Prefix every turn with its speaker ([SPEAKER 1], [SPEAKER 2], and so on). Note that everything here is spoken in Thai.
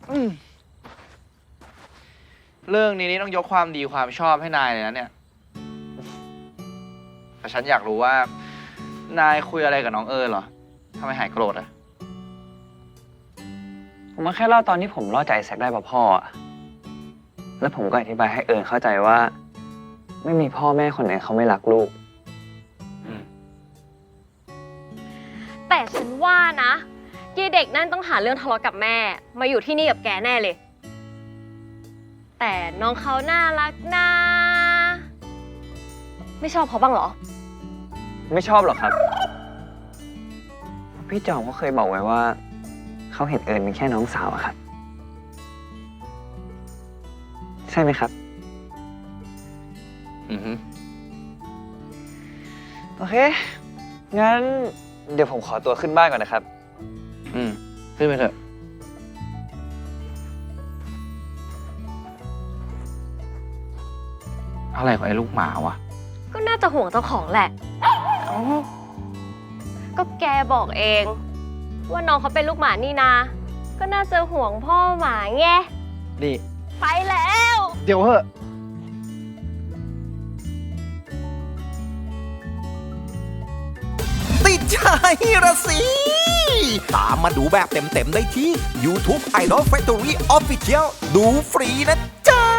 [SPEAKER 1] เรื่องนี้นี่ต้องยกความดีความชอบให้นายเลยนะเนี่ยแต่ฉันอยากรู้ว่านายคุยอะไรกับน้องเอิญเหรอทำไมหายโกรธอะ
[SPEAKER 2] ผมมาแค่เล่าตอนที่ผมล่อใจแซกได้ป่ะพ่อแล้วผมก็อธิบายให้เอิญเข้าใจว่า ไม่มีพ่อแม่คนไหนเขาไม่รักลูก
[SPEAKER 3] แต่ฉันว่านะยายเด็กนั่นต้องหาเรื่องทะเลาะกับแม่ มาอยู่ที่นี่กับแกแน่เลย แต่น้องเขาน่ารักนะไม่ชอบเขาบ้างเหรอ
[SPEAKER 2] ไม่ชอบหรอกครับ พี่จอมเขาเคยบอกไว้ว่า เขาเห็นเอิญเป็นแค่น้องสาวอะครับ ใช่ไหมครับ โอเค งั้นเดี๋ยวผมขอตัวขึ้นบ้านก่อนนะครับ
[SPEAKER 1] ขึ้นไปเถอะอะไรของไอ้ลูกหมาวะ
[SPEAKER 3] ก็น่าจะห่วงเจ้าของแหละ ก็แกบอกเอง ว่าน้องเขาเป็นลูกหมานี่นา ก็น่าจะห่วงพ่อหมาไง
[SPEAKER 1] นี่
[SPEAKER 3] ไปแล้ว
[SPEAKER 1] เดี๋ยวเหอะ
[SPEAKER 4] ติดใจละสิ ตามมาดูแบบเต็มๆได้ที่ YouTube Idol Factory Official ดูฟรีนะจ๊ะ